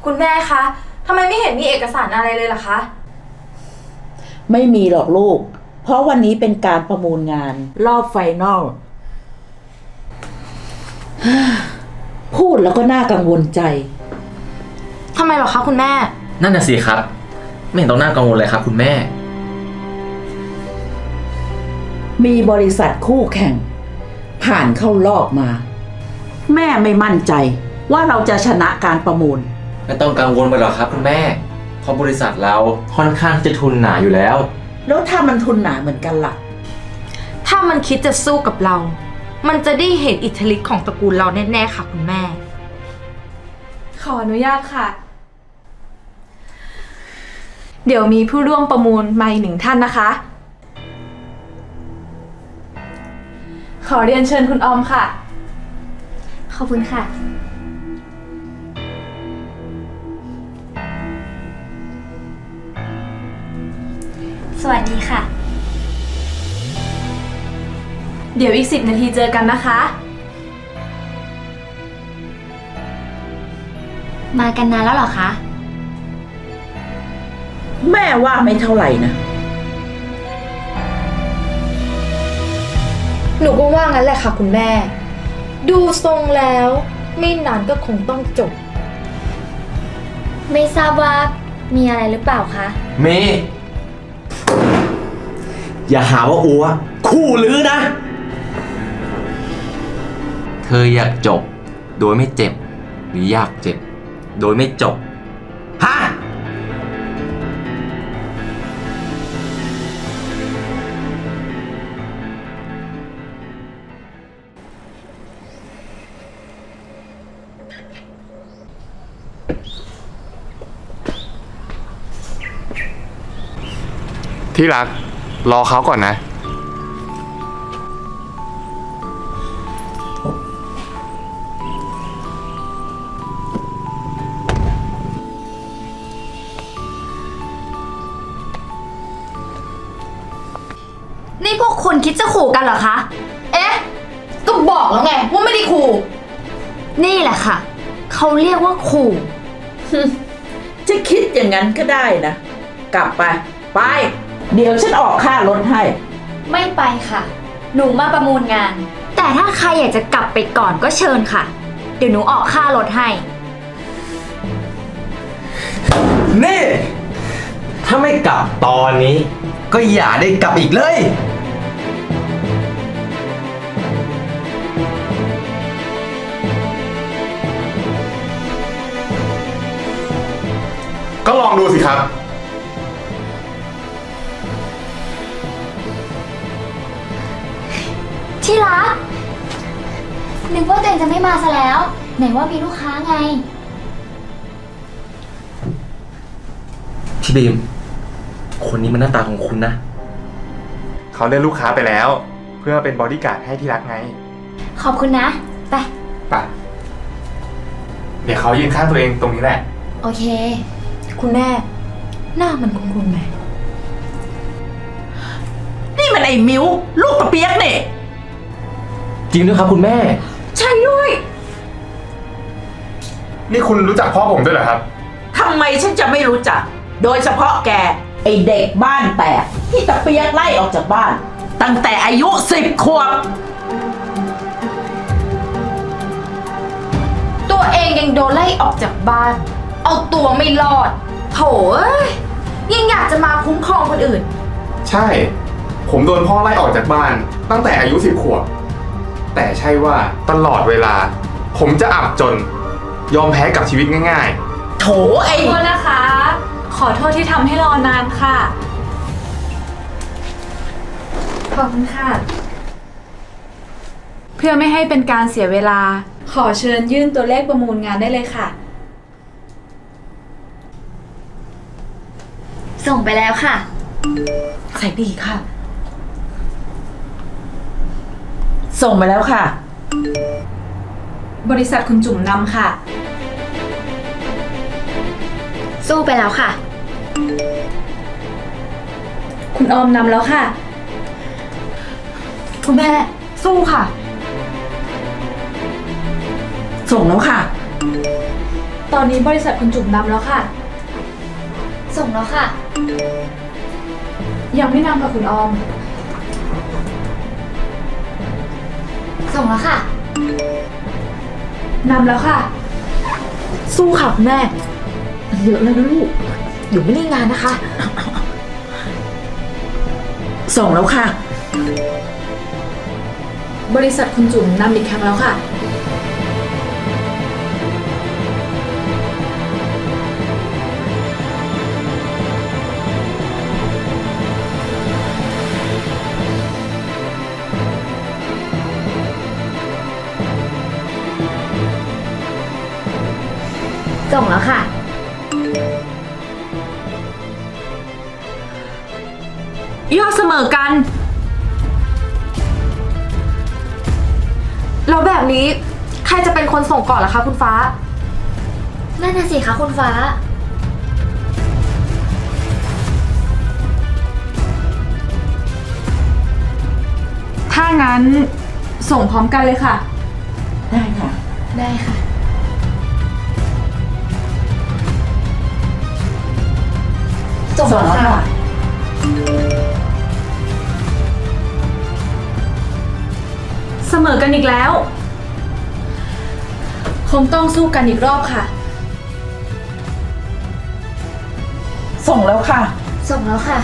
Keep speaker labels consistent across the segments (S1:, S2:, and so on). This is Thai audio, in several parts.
S1: คุณแม่คะทำไมไม่เห็นมีเอกสารอะไรเลยล่ะคะ
S2: ไม่มีหรอกลูก เพราะวันนี้เป็นการประมูลงานรอบไฟนอล พูดแล้วก็น่ากังวลใจ
S1: ทำไมหรอคะคุณแม่
S3: นั่นน่ะสิครับ ไม่เห็นต้องน่ากังวลเลยครับคุณแม่
S2: มีบริษัทคู่แข่ง ผ่านเข้ารอบมา แม่ไม่มั่นใจว่าเราจะชนะการประมูล
S3: ไม่ต้องกังวลไปหรอกครับคุณแม่ เพราะบริษัทเราค่อนข้างจะทุนหนาอยู่แล้ว
S2: แล้วถ้ามันทุนหนาเหมือนกันล่ะ
S1: ถ้ามันคิดจะสู้กับเรา มันจะได้เห็นอิทธิฤทธิ์ของตระกูลเราแน่ๆค่ะคุณแม่
S4: ขออนุญาตค่ะ เดี๋ยวมีผู้ร่วมประมูลมาอีกหนึ่งท่านนะคะ ขอเรียนเชิญคุณออมค่ะ
S5: ขอบคุณค่ะ สวัสดีค่ะ
S4: เดี๋ยวอีก10 นาทีเจอกันนะคะ
S5: มากันนานแล้วเหรอคะ
S2: แม่ว่าไม่เท่าไหร่นะ
S1: หนูก็ว่างั้นแหละค่ะคุณแม่ ดูทรงแล้วไม่นานก็คงต้องจบ
S5: ไม่ทราบว่ามีอะไรหรือเปล่าคะ
S3: เมย์อย่าหาว่าอัวคู่ลือนะ เธออยากจบโดยไม่เจ็บ หรืออยากเจ็บโดยไม่จบ ฮะ
S6: ที่รักรอเขาก่อนนะ
S1: นี่พวกคุณคิดจะขู่กันเหรอคะ เอ๊ะ ก็บอกแล้วไงว่าไม่ได้ขู่ นี่แหละค่ะ เขาเรียกว่าขู่
S2: จะคิดอย่างนั้นก็ได้นะ กลับไป ไป เดี๋ยวฉันออกค่ารถให้
S5: ไม่ไปค่ะ หนูมาประมูลงาน แต่ถ้าใครอยากจะกลับไปก่อนก็เชิญค่ะ เดี๋ยวหนูออกค่ารถให้
S3: นี่ ถ้าไม่กลับตอนนี้ ก็อย่าได้กลับอีกเลย
S6: ก็ลองดูสิครับ
S5: ที่รัก นึกว่าตัวเองจะไม่มาซะแล้ว ไหนว่ามีลูกค้าไง
S3: พี่บีม คนนี้มันหน้าตาของคุณนะ
S6: เขาเลือกลูกค้าไปแล้ว เพื่อเป็นบอดี้การ์ดให้ที่รักไง
S5: ขอบคุณนะ ไป
S6: ไป เดี๋ยวเขายืนข้างตัวเองตรงนี้แหละ
S5: โอเค
S1: คุณแม่ หน้ามันคุ้นๆไหม
S2: นี่มันไอ้มิ้ว ลูกกระเปียกเนี่ย
S3: จริงด้วยครับคุณแม่
S2: ใช่ด้วย
S6: นี่คุณรู้จักพ่อผมด้วยเหรอครับ
S2: ทำไมฉันจะไม่รู้จัก โดยเฉพาะแก ไอเด็กบ้านแตกที่ตะเปียกไล่ออกจากบ้าน ตั้งแต่อายุ10 ขวบ
S1: ตัวเองยังโดนไล่ออกจากบ้าน เอาตัวไม่รอดโถเอ้ยยังอยากจะมาคุ้มครองคนอื่น
S6: ใช่ ผมโดนพ่อไล่ออกจากบ้านตั้งแต่อายุ10 ขวบ แต่ใช่ว่าตลอดเวลา ผมจะอับจน ยอมแพ้กับชีวิตง่าย
S2: โถไอ
S4: ขอโทษนะคะ ขอโทษที่ทำให้รอนานค่ะ ขอบคุณค่ะ เพื่อไม่ให้เป็นการเสียเวลา ขอเชิญยื่นตัวเลขประมูลงานได้เลยค่ะ
S5: ส่งไปแล้วค่ะ
S2: ใส่ดีค่ะ ส่งไปแล้วค่ะ
S4: บริษัทคุณจุ๋มนำค่ะ
S5: สู้ไปแล้วค่ะ
S4: คุณออมนำแล้วค่ะ
S1: คุณแม่ สู้ค่ะ
S2: ส่งแล้วค่ะ
S4: ตอนนี้บริษัทคุณจุ๋มนำแล้วค่ะ
S5: ส่งแล้วค่ะ
S4: ยังไม่นำค่ะคุณออม
S5: ส่งแล้วค่ะ
S4: นำแล้วค่ะ
S1: สู้ค่ะคุณแม่มันเยอะแล้วนะลูก อยู่ไม่ได้งานนะคะ
S2: ส่งแล้วค่ะ
S4: บริษัทคุณจุ๋มนำอีกครั้งแล้วค่ะ
S5: ส่งแล้วค่ะ
S1: ยอดเสมอกัน แล้วแบบนี้ใครจะเป็นคนส่งก่อนล่ะคะคุณฟ้า
S5: นั่นน่ะสิคะคุณฟ้า
S4: ถ้างั้นส่งพร้อมกันเลยค่ะ
S2: ได้ค่ะ
S5: ได้ค่ะ ส่งแล้วค่ะ
S4: เสมอกันอีกแล้ว คงต้องสู้กันอีกรอบค่ะ
S2: ส่งแล้วค่ะ
S5: ส่งแล้วค่ะ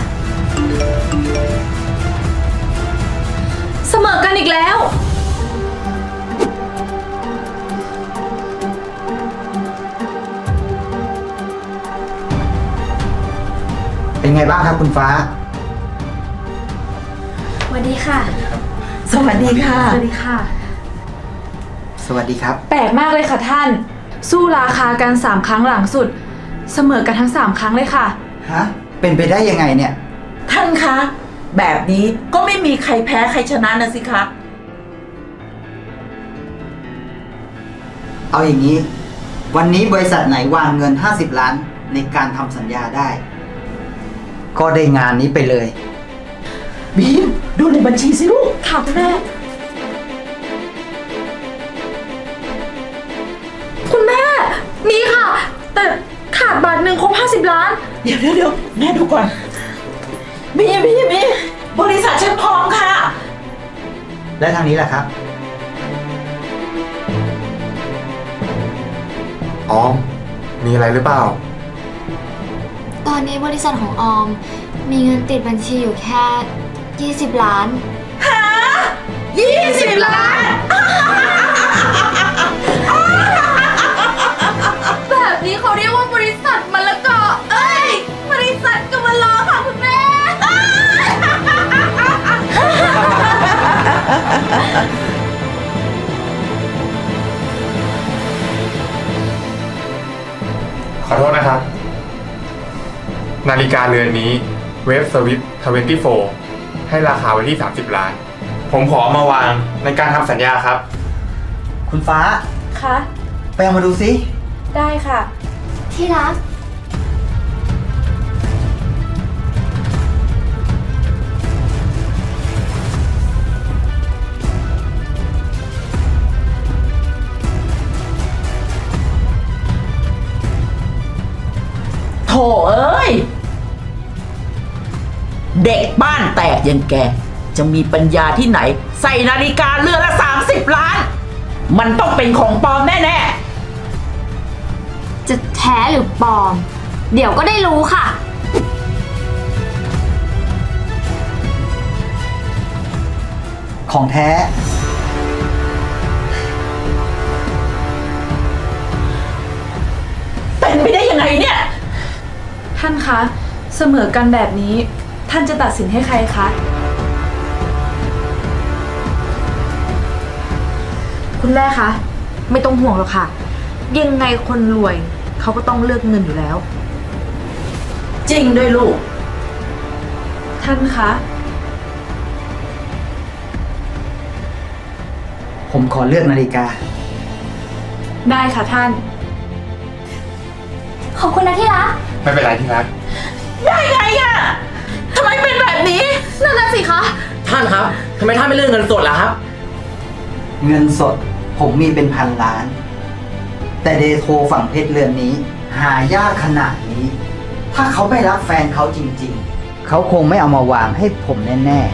S4: เสมอกันอีกแล้ว
S7: เป็นไงบ้างครับคุณฟ้า
S5: สวัสดีค่ะ
S2: สวัสดีค่ะ
S4: สวัสดีค่ะ
S7: สวัสดีครับ
S4: แปลกมากเลยค่ะท่าน สู้ราคากัน3ครั้งหลังสุด เสมอกันทั้ง3ครั้งเลยค่ะ
S7: ฮะ เป็นไปได้ยังไงเนี่ย
S2: ท่านคะ แบบนี้ก็ไม่มีใครแพ้ใครชนะนะสิคะ
S7: เอาอย่างนี้ วันนี้บริษัทไหนวางเงิน 50 ล้านในการทำสัญญาได้ ก็ได้งานนี้ไปเลย
S2: บีม ดูในบัญชีสิลูก
S4: ค่ะคุณแม่ คุณแม่ มีค่ะ แต่ขาดบาทหนึ่งครบ50 ล้าน
S2: เดี๋ยวแม่ดูก่อน บีบริษัทฉันพร้อมค่ะ
S7: และทางนี้แหละครับ
S6: ออม มีอะไรหรือเปล่า
S5: ตอนนี้บริษัทของออม มีเงินติดบัญชีอยู่แค่ 20 ล้าน
S2: 20 ล้าน
S1: แบบนี้เขาเรียกว่าบริษัทมะละกอ เอ้ย บริษัทกำมะลอค่ะคุณแม่
S6: ขอโทษนะครับ นาฬิกาเรือนนี้เวฟสวิต24 ให้ราคาไว้ที่ 30 ล้าน ผมขอเอามาวางในการทำสัญญาครับ
S7: คุณฟ้า
S4: คะ
S7: ไปเอามาดูสิ
S4: ได้ค่ะ
S5: ที่รัก
S2: โถเอ้ย เด็กบ้านแตกอย่างแก จะมีปัญญาที่ไหน ใส่นาฬิกาเรือนละ 30 ล้าน มันต้องเป็นของปลอมแน่
S5: จะแท้หรือปลอม เดี๋ยวก็ได้รู้ค่ะ
S7: ของแท้
S2: ๆ เป็นไปได้ยังไงเนี่ย
S4: ท่านคะ เสมอกันแบบนี้ ท่านจะตัดสินให้ใครคะ
S1: คุณแม่คะ ไม่ต้องห่วงหรอกค่ะ ยังไงคนรวยเขาก็ต้องเลือกเงินอยู่แล้ว
S2: จริงด้วยลูก
S4: ท่านคะ
S7: ผมขอเลือกนาฬิกา
S4: ได้ค่ะท่าน
S5: ขอบคุณนะที่รัก
S6: ไม่เป็นไรที่รัก
S2: ได้ไงอะทำไมเป็นแบบนี้
S1: นั่นน่ะสิคะ
S3: ท่านครับทำไมท่านไม่เลือกเงินสดล่ะครับ
S7: เงินสด ผมมีเป็นพันล้านแต่เดโทฝั่งเพชรเรือนนี้ หายากขนาดนี้ ถ้าเขาไม่รักแฟนเขาจริงๆ เขาคงไม่เอามาวางให้ผมแน่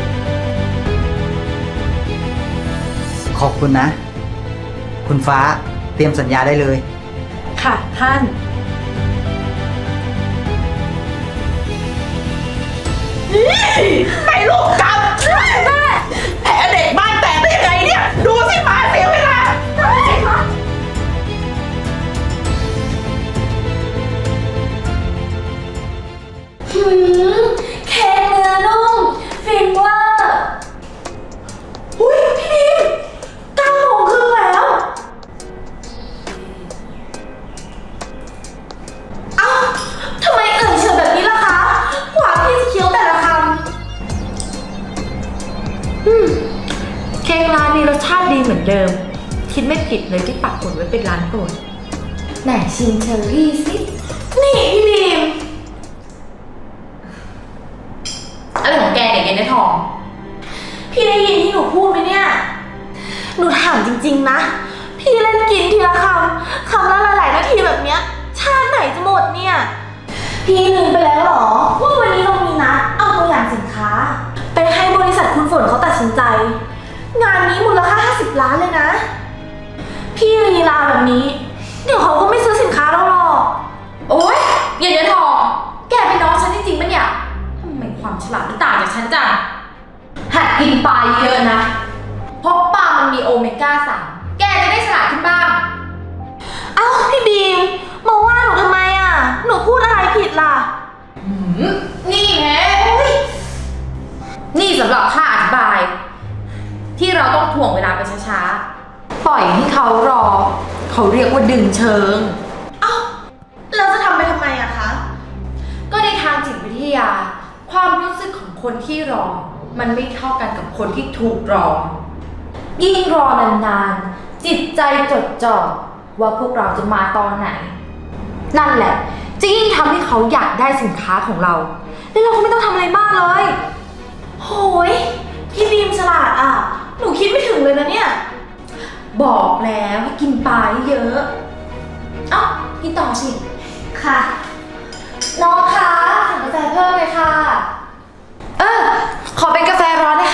S7: ๆ ขอบคุณนะ คุณฟ้าเตรียมสัญญาได้เลย
S4: ค่ะท่าน
S2: ไปลูกกลับแม่แผลเด็กบ้านแตกได้ยังไงเนี่ย ดูสิมาเสียเวลา
S5: เค้กเนื้อนุ่มฟินเวอร์อุ้ยพี่บีม9 โมงครึ่งแล้วเอ้าทำไมเอ่ยเฉยแบบนี้ล่ะคะกว่าพี่จะเคี้ยวแต่ละคำ
S1: เค้กร้านนี้รสชาติดีเหมือนเดิม คิดไม่ผิดเลยที่ปักหมุดไว้เป็นร้านโปรดแหนชิมเชอรี่สิ
S5: นี่พี่บีม
S1: อะไรของแกเนี่ยแกในทอง
S5: พี่ได้ยินที่หนูพูดไหมเนี่ย หนูถามจริงๆนะ พี่เล่นกินทีละคำละหลายๆนาทีแบบเนี้ย ชาติไหนจะหมดเนี่ย พี่ลืมไปแล้วเหรอว่าวันนี้เรามีนัดเอาตัวอย่างสินค้า ไปให้บริษัทคุณฝนเขาตัดสินใจ งานนี้มูลค่า50 ล้านเลยนะ พี่ลีลาแบบนี้ เดี๋ยวเขาก็ไม่ซื้อสินค้าเราหรอก
S1: โอ๊ยอย่าเนื้อทอง แกเป็นน้องฉันจริงๆปะเนี่ยทำไมความฉลาดมันต่างจากฉันจังหัดกินปลาเยอะๆนะ เพราะปลามันมีโอเมก้า 3 แกจะได้ฉลาดขึ้นบ้าง
S5: เอ้าพี่บีมมาว่าหนูทำไมอ่ะ หนูพูดอะไรผิดล่ะ
S1: นี่แฮะนี่สำหรับค่าอธิบาย ที่เราต้องถ่วงเวลาไปช้าๆ ปล่อยให้เขารอ เขาเรียกว่าดึงเชิง
S5: เอ้าเราจะทำไปทำไมอะคะ
S1: ก็ในทางจิตวิทยา ความรู้สึกของคนที่รอ มันไม่เท่ากันกับคนที่ถูกรอ ยิ่งรอนานๆ จิตใจจดจ่อว่าพวกเราจะมาตอนไหน นั่นแหละจะยิ่งทำให้เขาอยากได้สินค้าของเราแล้วเราก็ไม่ต้องทำอะไรมากเลย
S5: โหยพี่บีมฉลาดอะหนูคิดไม่ถึงเลยนะเนี่ย
S1: บอกแล้วให้กินปลาเยอะเอ้ากินต่อสิ
S5: ค่ะ น้องคะสั่งกาแฟเพิ่มเลยค่ะ
S1: ขอเป็นกาแฟร้อนนะคะ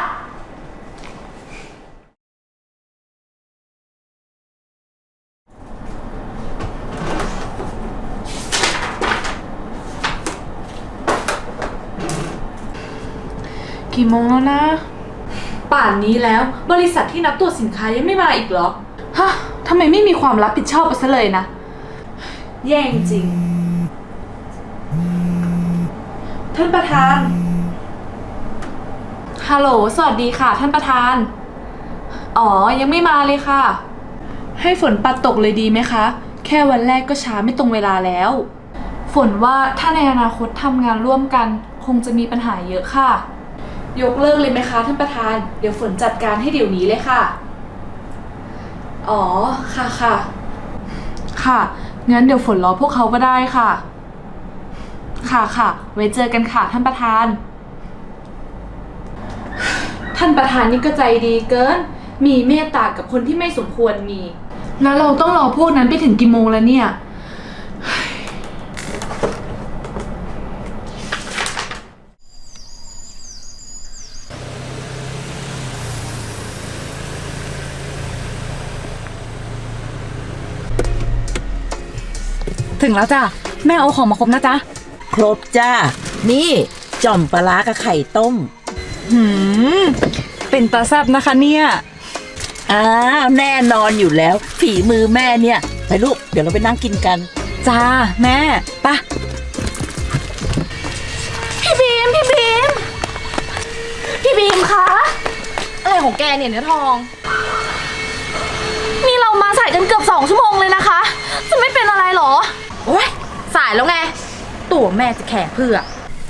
S4: กี่โมงแล้วนะ ป่านนี้แล้วบริษัทที่นับตรวจสินค้ายังไม่มาอีกเหรอ ฮะทำไมไม่มีความรับผิดชอบไปซะเลยนะ แย่งจริง ท่านประธาน ฮัลโหล สวัสดีค่ะ ท่านประธาน อ๋อ ยังไม่มาเลยค่ะ ให้ฝนปัดตกเลยดีไหมคะ แค่วันแรกก็ช้าไม่ตรงเวลาแล้ว ฝนว่าถ้าในอนาคตทำงานร่วมกัน คงจะมีปัญหาเยอะค่ะ ยกเลิกเลยไหมคะท่านประธาน เดี๋ยวฝนจัดการให้เดี๋ยวนี้เลยค่ะ อ๋อ ค่ะค่ะ ค่ะ งั้นเดี๋ยวฝนรอพวกเขาก็ได้ค่ะ ค่ะค่ะ ไว้เจอกันค่ะท่านประธาน ท่านประธานนี่ก็ใจดีเกิน มีเมตตากับคนที่ไม่สมควรมี แล้วเราต้องรอพวกนั้นไปถึงกี่โมงแล้วเนี่ย
S8: ถึงแล้วจ้ะแม่เอาของมาครบนะจ๊ะ
S2: ครบจ้า นี่จ่อมปลาร้ากับไข่ต้ม
S8: เป็นตาแซบนะคะเนี่ย
S2: อ้าวแน่นอนอยู่แล้ว ฝีมือแม่เนี่ย ไปลูก เดี๋ยวเราไปนั่งกินกัน
S8: จ้าแม่ปะ
S5: พี่บีมคะ
S1: อะไรของแกเนี่ยเนื้อทอง
S5: นี่เรามาสายกันเกือบ2 ชั่วโมงเลยนะคะ จะไม่เป็นอะไรหรอ
S1: โอ๊ย สายแล้วไง ตัวแม่จะแข่เพื่อ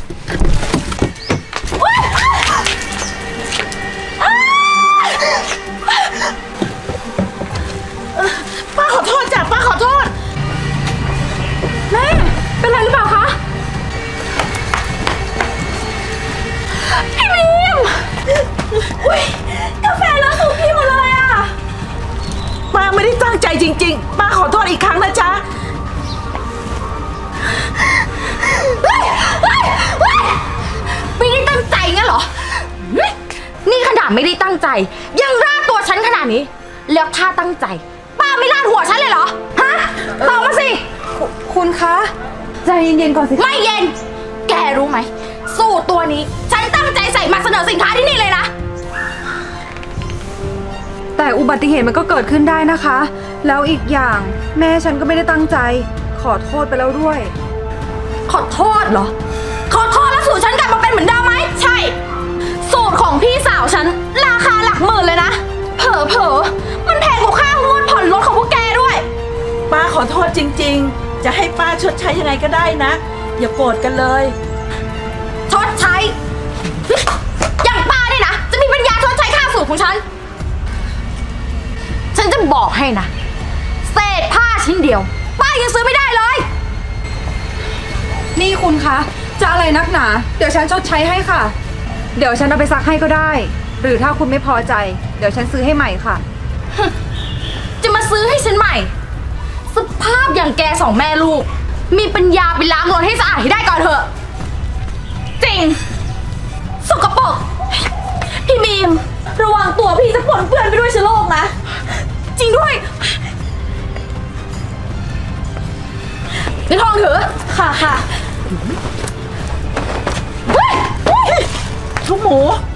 S2: ป้าขอโทษจ้ะป้าขอโทษ
S5: แม่ เป็นไรหรือเปล่าคะ พี่บีมอุ๊ยกาแฟเลอะสูตรพี่หมดเลยอะ
S2: ป้าไม่ได้ตั้งใจจริงๆ ป้าป้าขอโทษอีกครั้งนะจ๊ะ
S1: ไม่ได้ตั้งใจงั้นเหรอเฮ้ยนี่ขนาดไม่ได้ตั้งใจ ยังราดตัวฉันขนาดนี้ แล้วถ้าตั้งใจ ป้าไม่ราดหัวฉันเลยเหรอ ฮะตอบมาสิ
S8: คุณคะ ใจเย็นๆก่อนสิ
S1: ไม่เย็น แกรู้ไหม สูตรตัวนี้ ฉันตั้งใจใส่มาเสนอสินค้าที่นี่เลยนะ
S8: แต่อุบัติเหตุมันก็เกิดขึ้นได้นะคะ แล้วอีกอย่างแม่ฉันก็ไม่ได้ตั้งใจ ขอโทษไปแล้วด้วย
S1: ขอโทษเหรอ ขอโทษแล้วสูตรฉันกลับมาเป็นเหมือนเดิมไหม ใช่ สูตรของพี่สาวฉัน ราคาหลักหมื่นเลยนะ เผลอๆมันแพงกว่าค่างวดผ่อนรถของพวกแกด้วย
S2: ป้าขอโทษจริงๆ จะให้ป้าชดใช้ยังไงก็ได้นะ อย่าโกรธกันเลย
S1: ชดใช้ อย่างป้าเนี่ยนะ จะมีปัญญาชดใช้ค่าสูตรของฉัน ฉันจะบอกให้นะ เศษผ้าชิ้นเดียว ป้ายังซื้อไม่ได้เลย
S8: นี่คุณคะ จะอะไรนักหนา เดี๋ยวฉันชดใช้ให้ค่ะ เดี๋ยวฉันเอาไปซักให้ก็ได้ หรือถ้าคุณไม่พอใจ เดี๋ยวฉันซื้อให้ใหม่ค่ะ
S1: จะมาซื้อให้ฉันใหม่ สภาพอย่างแกสองแม่ลูก มีปัญญาไปล้างรถให้สะอาดให้ได้ก่อนเถอะ จริง สกปรกพี่บีม ระวังตัวพี่จะปนเปื้อนไปด้วยเชื้อโรคนะ จริงด้วยในทองถือ ค่ะ
S2: ทุกหมู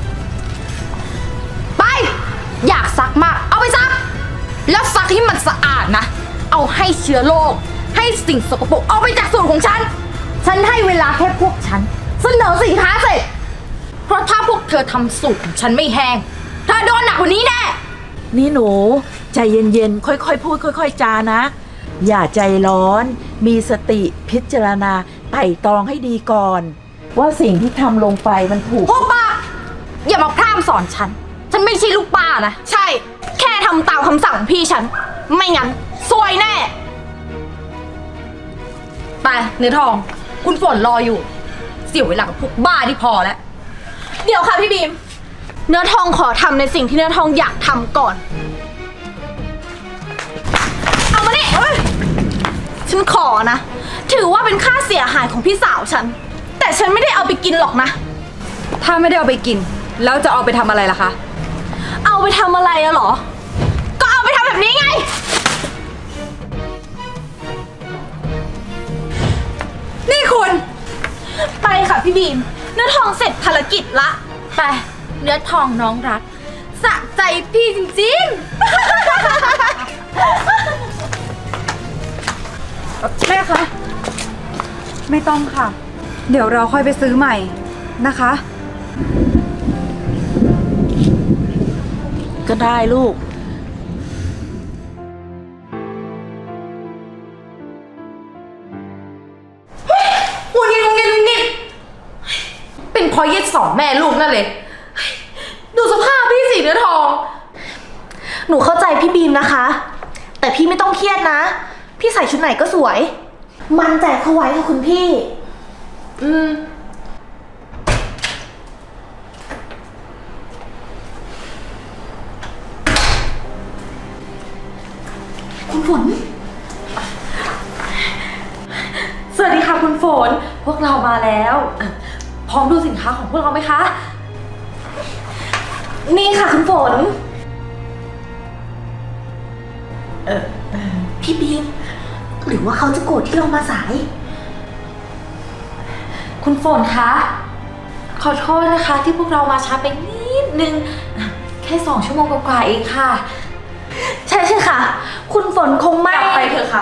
S1: ไป อยากซักมาก เอาไปซัก แล้วซักให้มันสะอาดนะ เอาให้เชื้อโรค ให้สิ่งสกปรกเอาไปจากสูตรของฉัน ฉันให้เวลาแค่พวกฉัน เสนอสินค้าเสร็จ เพราะถ้าพวกเธอทำสูตรของฉันไม่แห้งเธอโดนหนักกว่านี้แน่
S2: นี่หนู ใจเย็นๆ ค่อยๆ พูดค่อยๆ จานะ อย่าใจร้อน มีสติพิจารณาไต่ตรองให้ดีก่อน ว่าสิ่งที่ทำลงไปมันถูก
S1: พวกป้า อย่ามาพร่ำสอนฉัน ฉันไม่ใช่ลูกป้านะ ใช่ แค่ทำตามคำสั่งของพี่ฉัน ไม่งั้นซวยแน่ ไปเนื้อทอง คุณฝนรออยู่ เสียเวลากับพวกบ้าที่พอแล้ว เดี๋ยวค่ะพี่บีม เนื้อทองขอทำในสิ่งที่เนื้อทองอยากทำก่อน เอามานี่ฉันขอนะ ถือว่าเป็นค่าเสียหายของพี่สาวฉัน แต่ฉันไม่ได้เอาไปกินหรอกนะ
S8: ถ้าไม่ได้เอาไปกิน แล้วจะเอาไปทำอะไรล่ะคะ
S1: เอาไปทำอะไรอะเหรอ ก็เอาไปทำแบบนี้ไง
S8: นี่คุณ
S1: ไปค่ะพี่บีม เนื้อทองเสร็จภารกิจละ ไป เนื้อทองน้องรัก สะใจพี่จริง
S8: แม่คะ ไม่ต้องค่ะ เดี๋ยวเราค่อยไปซื้อใหม่นะคะ
S2: ก็ได้ลูก
S1: ๆงุนงิดเป็นเพราะเย็ดสองแม่ลูกนั่นเลย ดูสภาพพี่สิเนื้อทอง
S5: หนูเข้าใจพี่บีมนะคะ แต่พี่ไม่ต้องเครียดนะ พี่ใส่ชุดไหนก็สวย มั่นใจเข้าไว้ค่ะคุณพี่
S1: คุณฝน สวัสดีค่ะคุณฝน พวกเรามาแล้วพร้อมดูสินค้าของพวกเราไหมคะ
S5: นี่ค่ะคุณฝน พี่บีม หรือว่าเขาจะโกรธที่เรามาสาย
S1: คุณฝนคะ ขอโทษนะคะที่พวกเรามาช้าไปนิดนึง แค่2 ชั่วโมงกว่าๆเองค่ะ
S5: ใช่ค่ะ คุณฝนคงไม่
S1: กลับไปเถอะค่ะ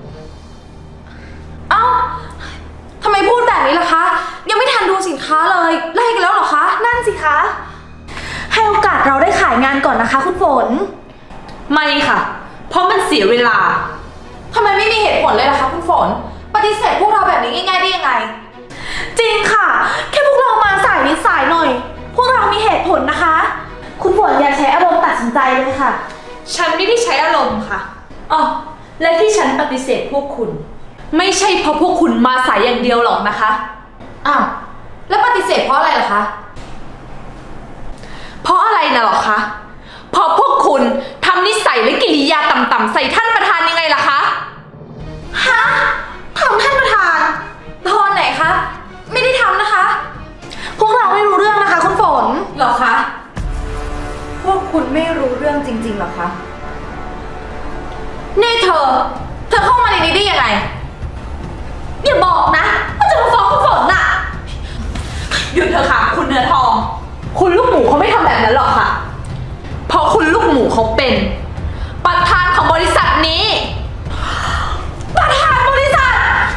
S1: เอ้าทำไมพูดแบบนี้ล่ะคะ ยังไม่ทันดูสินค้าเลยไล่กันแล้วเหรอคะ
S5: นั่นสิคะ ให้โอกาสเราได้ขายงานก่อนนะคะ คุณฝน
S4: ไม่ค่ะ เพราะมันเสียเวลา
S1: ทำไมไม่มีเหตุผลเลยล่ะคะคุณฝน ปฏิเสธพวกเราแบบนี้ง่ายๆได้ยังไง
S5: จริงค่ะ แค่พวกเรามาสายนิดสายหน่อย พวกเรามีเหตุผลนะคะ คุณฝนอย่าใช้อารมณ์ตัดสินใจเลยค่ะ
S4: ฉันไม่ได้ใช้อารมณ์ค่ะอ๋อและที่ฉันปฏิเสธพวกคุณ ไม่ใช่เพราะพวกคุณมาสายอย่างเดียวหรอกนะคะ
S1: อ้าว แล้วปฏิเสธเพราะอะไรล่ะคะ
S4: เพราะอะไรนะหรอคะ เพราะพวกคุณทำนิสัยและกิริยาต่ำๆใส่ท่านประธานยังไงล่ะคะ
S5: ฮะทำท่านประธาน
S1: ตอนไหนคะ ไม่ได้ทำนะคะ
S5: พวกเราไม่รู้เรื่องนะคะคุณฝน
S1: หรอคะ
S8: พวกคุณไม่รู้เรื่องจริงๆหรอคะ
S1: นี่เธอเข้ามาในนี้ได้ยังไง
S5: อย่าบอกนะว่าจะมาฟ้องคุณฝนน่ะ
S4: หยุดเถอะค่ะ คุณเนื้อทอง คุณลูกหมูเขาไม่ทำแบบนั้นหรอกค่ะ เพราะคุณลูกหมูเขาเป็น ประธานของบริษัทนี้
S5: ประธานบริษัท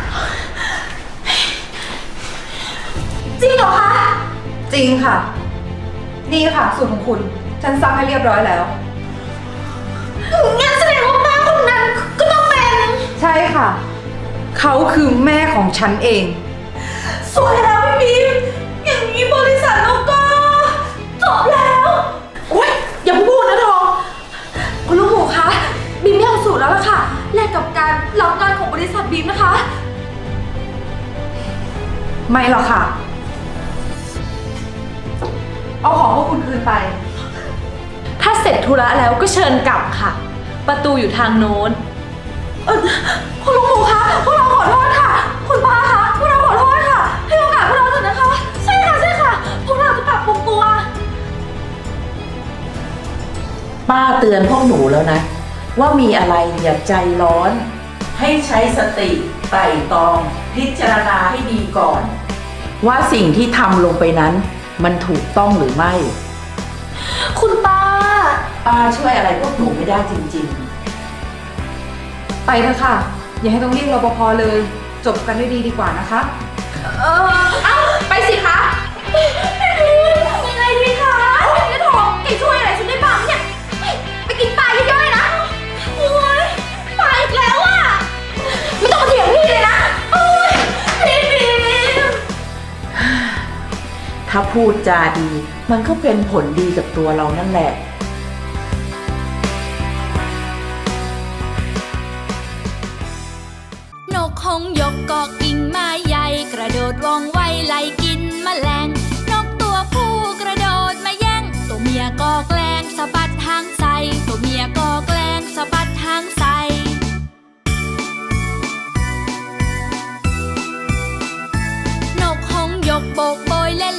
S5: จริงเหรอคะ
S8: จริงค่ะ นี่ค่ะสูตรของคุณ ฉันซักให้เรียบร้อยแล้ว
S5: งั้นแสดงว่าแม่คนนั้นก็ต้องเป็น
S8: ใช่ค่ะ เขาคือแม่ของฉันเอง
S5: สวยแล้วพี่บีมอย่างนี้บริษัทเราก็จบแล้วโอ๊ยอย่าพูดนะทอง
S1: คุณลูกหมูคะบีมไม่เอาสูตรแล้วล่ะค่ะแลกกับการรับงานของบริษัทบีมนะคะ
S8: ไม่หรอกค่ะ เอาของพวกคุณคืนไป
S4: ถ้าเสร็จธุระแล้วก็เชิญกลับค่ะ ประตูอยู่ทางโน้น
S1: คุณลูกหมูคะพวกเราขอโทษค่ะ คุณป้าคะพวกเราขอโทษค่ะ ให้โอกาสพวกเราเถอะนะคะ
S5: ใช่ค่ะ พวกเราจะปรับปรุงตัว
S2: ป้าเตือนพวกหนูแล้วนะ ว่ามีอะไรอย่าใจร้อน ให้ใช้สติไตร่ตรอง พิจารณาให้ดีก่อน ว่าสิ่งที่ทำลงไปนั้น มันถูกต้องหรือไม่
S5: คุณป้า
S2: ป้าช่วยอะไรพวกหนูไม่ได้จริง
S8: ไปเถอะค่ะ อย่าให้ต้องเรียกรปภเลย จบกันด้วยดีดีกว่านะคะ
S4: ไปสิคะ
S5: ยังไงดีคะเจ๊ทองแกช่วยอะไรฉันได้บ้างเนี่ยไปกินปลาเยอะๆเลยนะโอ้ยปลาอีกแล้วอ่ะ ไม่ต้องมาเถียงพี่เลยนะโอ้ยพี่บีม
S2: ๆ ถ้าพูดจาดี มันก็เป็นผลดีกับตัวเรานั่นแหละ
S9: นกคงยกกอกกิ่งไม้ใหญ่กระโดดว่องไวไล่กิน